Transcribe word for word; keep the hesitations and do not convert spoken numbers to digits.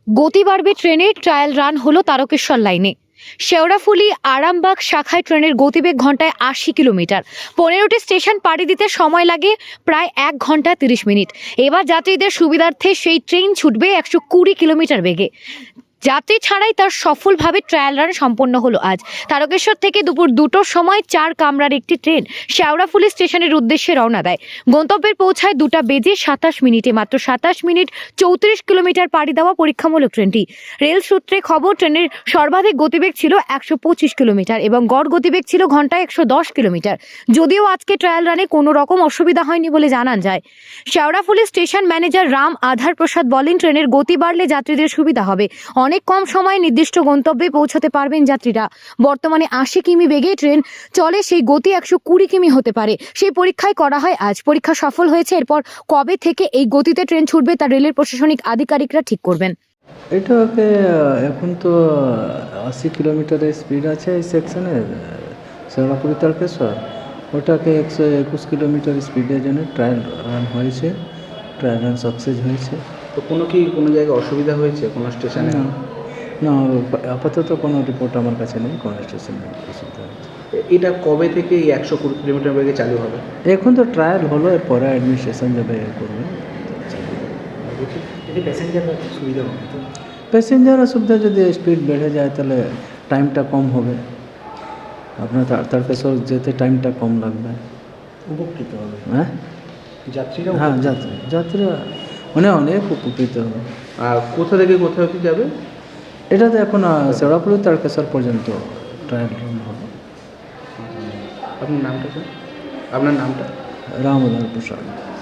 গতি বাড়বে ট্রেনের ট্রায়াল রান হলো তারকেশ্বর লাইনে। শেওড়াফুলি আরামবাগ শাখায় ট্রেনের গতিবেগ ঘন্টায় আশি কিলোমিটার। পনেরোটি স্টেশন পাড়ি দিতে সময় লাগে প্রায় এক ঘন্টা তিরিশ মিনিট। এবার যাত্রীদের সুবিধার্থে সেই ট্রেন ছুটবে একশো কুড়ি কিলোমিটার বেগে। যাত্রী ছাড়াই তার সফলভাবে ট্রায়াল রান সম্পন্ন হলো আজ। তারকেশ্বর থেকে দুপুর দুটোর সময় চার কামরার একটি ট্রেন শেওড়াফুলি স্টেশনের উদ্দেশ্যে রওনা দেয়। গন্তব্যে পৌঁছায় দুটা বেজে সাতাশ মিনিটে। মাত্র সাতাশ মিনিট চৌত্রিশ কিলোমিটার পাড়ি দেওয়া পরীক্ষামূলক ট্রেনটি। রেল সূত্রে খবর, ট্রেনের সর্বাধিক গতিবেগ ছিল একশো পঁচিশ কিলোমিটার এবং গড় গতিবেগ ছিল ঘন্টায় একশো দশ কিলোমিটার। যদিও আজকে ট্রায়াল রানে কোনো রকম অসুবিধা হয়নি বলে জানান যায়। শেওড়াফুলি স্টেশন ম্যানেজার রাম আধার প্রসাদ বলেন, ট্রেনের গতি বাড়লে যাত্রীদের সুবিধা হবে। অনেক কম সময়ে নির্দিষ্ট গন্তব্যে পৌঁছাতে পারবেন যাত্রীরা। বর্তমানে আশি কিমি বেগে ট্রেন চলে, সেই গতি একশো কুড়ি কিমি হতে পারে। সেই পরীক্ষায় করা হয় আজ। পরীক্ষা সফল হয়েছে। এরপর কবে থেকে এই গতিতে ট্রেন ছুটবে তা রেলের প্রশাসনিক আধিকারিকরা ঠিক করবেন। এটাকে এখন তো আশি কিলোমিটারের স্পিড আছে এই সেকশনে শেওড়াফুলি তারকেশ্বর। ওটাকে একশো একুশ কিলোমিটার স্পিডের জন্য ট্রায়াল রান হয়েছে। ট্রায়াল রান সাকসেস হয়েছে। তো কোনো কি কোনো জায়গায় অসুবিধা হয়েছে কোনো স্টেশনে? না না, আপাতত কোনো রিপোর্ট আমার কাছে নেই কোনো স্টেশনে অসুবিধা হয়েছে। এটা কবে থেকে এই একশো কুড়ি কিলোমিটার বেগে চালু হবে? এখন তো ট্রায়াল হলো, এরপরে অ্যাডমিনিস্ট্রেশন যাবে করবে। প্যাসেঞ্জাররা সুবিধা হবে তো? প্যাসেঞ্জার অসুবিধা, যদি স্পিড বেড়ে যায় তাহলে টাইমটা কম হবে। আপনার তারকেশ্বর যেতে টাইমটা কম লাগবে। উপকৃত হবে হ্যাঁ যাত্রীরা? হ্যাঁ যাত্রী যাত্রীরা মানে অনেক উপকৃত হবে। আর কোথা থেকে কোথা অবধি যাবে? এটা তো এখন শেওড়াফুলি তারকেশ্বর পর্যন্ত ট্রায়াল রান হবে। আপনার নামটা স্যার? আপনার নামটা? রাম আধার প্রসাদ।